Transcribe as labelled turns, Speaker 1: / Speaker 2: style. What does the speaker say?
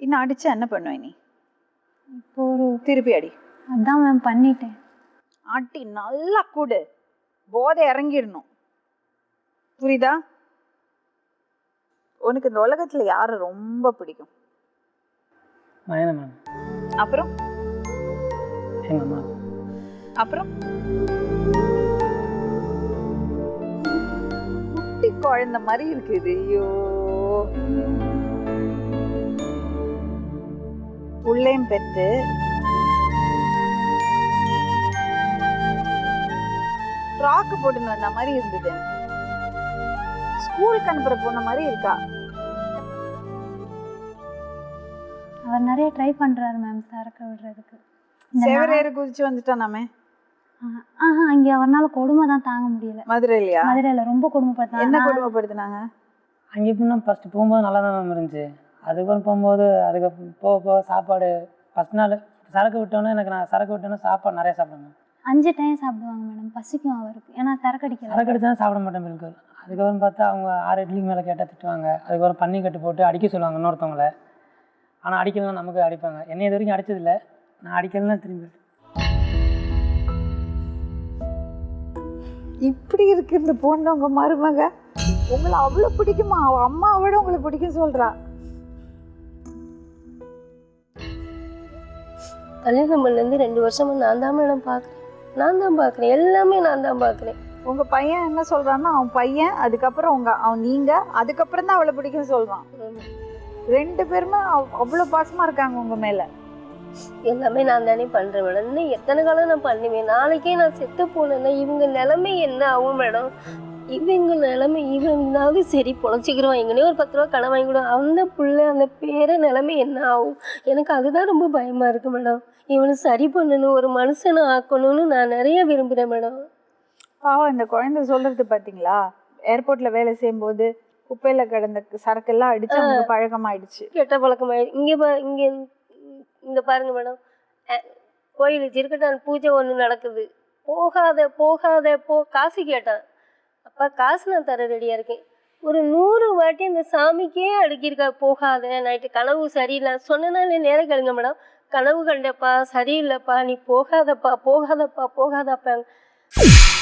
Speaker 1: இன்னும் அடிச்சா என்ன பண்ணுவேன் நீ?
Speaker 2: இப்போ ஒரு
Speaker 1: திருப்பி அடி.
Speaker 2: அதான் மேம் பண்ணிட்டேன்.
Speaker 1: அடி நல்லா கூடு, போதை இறங்கிடணும், புரியுதா? உனக்கு இந்த உலகத்துல யாரை ரொம்ப பிடிக்கும்?
Speaker 3: மயனா மேம்.
Speaker 1: அப்புறம்
Speaker 3: எங்க அம்மா.
Speaker 1: அப்புறம் குட்டி குழந்தை மாதிரி இருக்குது. ஐயோ, உள்ளேயும் பெத்து ஃப்ராக்கு போட்டுன்னு வந்த மாதிரி இருந்தது. ஸ்கூலுக்கு அனுப்புற போன மாதிரி இருக்கா.
Speaker 2: அவர் நிறைய ட்ரை பண்றாரு மேம் சரக்கு விடுறதுக்கு.
Speaker 1: செவரேறு குதிச்சு வந்துட்டானாமே.
Speaker 2: இங்க அவர்னால கொடுமை தான் தாங்க முடியல.
Speaker 1: மதுரையிலயா?
Speaker 2: மதுரையில ரொம்ப கொடுமைப்படுத்தாங்க.
Speaker 1: என்ன கொடுமைப்படுத்தினாங்க?
Speaker 3: அங்கே எப்படின்னா ஃபஸ்ட்டு போகும்போது நல்லா தான் மேம் இருந்துச்சு. அதுக்கப்புறம் போகும்போது போக போக சாப்பாடு ஃபஸ்ட் நாள் சரக்கு விட்டோன்னே நான் சரக்கு விட்டோன்னே சாப்பாடு நிறைய சாப்பிடுவேன்.
Speaker 2: 5 டைம் சாப்பிடுவாங்க மேடம். பசிக்கும் அவருக்கு, ஏன்னா சரக்கு அடிக்க.
Speaker 3: சரக்கு அடிச்சா சாப்பிட மாட்டேன் பில்குல். அதுக்கப்புறம் பார்த்தா அவங்க 6 இட்லிக்கு மேலே கேட்டால் திட்டுவாங்க. அதுக்கப்புறம் பன்னி கட்டு போட்டு அடிக்க சொல்லுவாங்க இன்னொருத்தவங்கள. ஆனால் அடிக்கலாம் நமக்கு அடிப்பாங்க. என்னை இது வரைக்கும் அடித்ததில்லை, நான் அடிக்கலாம் திரும்பி.
Speaker 1: இப்படி இருக்கு இந்த பொண்ணு. உங்க மருமக உங்களை அவ்வளோ பிடிக்குமா? அவ அம்மாவோட உங்களை பிடிக்கும் சொல்றா.
Speaker 4: கல்யாணம் பண்ணலேருந்து 2 வருஷமா நான் தான் மேடம் பார்க்குறேன். எல்லாமே நான் தான் பார்க்குறேன்.
Speaker 1: உங்க பையன் என்ன சொல்றான்னா, அவன் பையன், அதுக்கப்புறம் அவன் நீங்க, அதுக்கப்புறம் தான் அவளை பிடிக்கும் சொல்றான். 2 பேருமே அவ்வளோ பாசமா இருக்காங்க உங்க மேல.
Speaker 4: எல்லாமே நான் தானே பண்றேன் மேடம். இன்னும் எத்தனை காலம் நான் பண்ணுவேன்? நாளைக்கே நான் செத்து போனேன்னா இவங்க நிலைமை என்ன ஆகும் மேடம்? இவங்க நிலைமை இவங்களாவது சரி பொழைச்சிக்கிறோம், எங்கனே ஒரு 10 ரூபா கடன் வாங்கிவிடும், அந்த பிள்ளை அந்த பேரை நிலைமை என்ன ஆகும்? எனக்கு அதுதான் ரொம்ப பயமா இருக்கு மேடம். இவனை சரி பண்ணணும், ஒரு மனுஷனை ஆக்கணும்னு நான் நிறைய விரும்புகிறேன் மேடம்.
Speaker 1: பாவம் இந்த குழந்தை சொல்றது பார்த்தீங்களா? ஏர்போர்ட்ல வேலை செய்யும்போது குப்பையில் கிடந்த சரக்கெல்லாம் அடிச்சு அவங்களுக்கு பழக்கமாயிடுச்சு.
Speaker 4: கெட்ட பழக்கமாயிடுச்சு. இங்கே இந்த பாருங்க மேடம், கோயில் ஜிருக்கட்டான் பூஜை ஒன்று நடக்குது. போகாத காசு கேட்டான். அப்போ காசு நான் தர ரெடியாக இருக்கேன். ஒரு 100 வாட்டி அந்த சாமிக்கே அடுக்கியிருக்கா. போகாத, நைட்டு கனவு சரியில்லை சொன்னனால நேரம் கேளுங்க மேடம். கனவு கண்டப்பா சரியில்லைப்பா, நீ போகாதப்பா.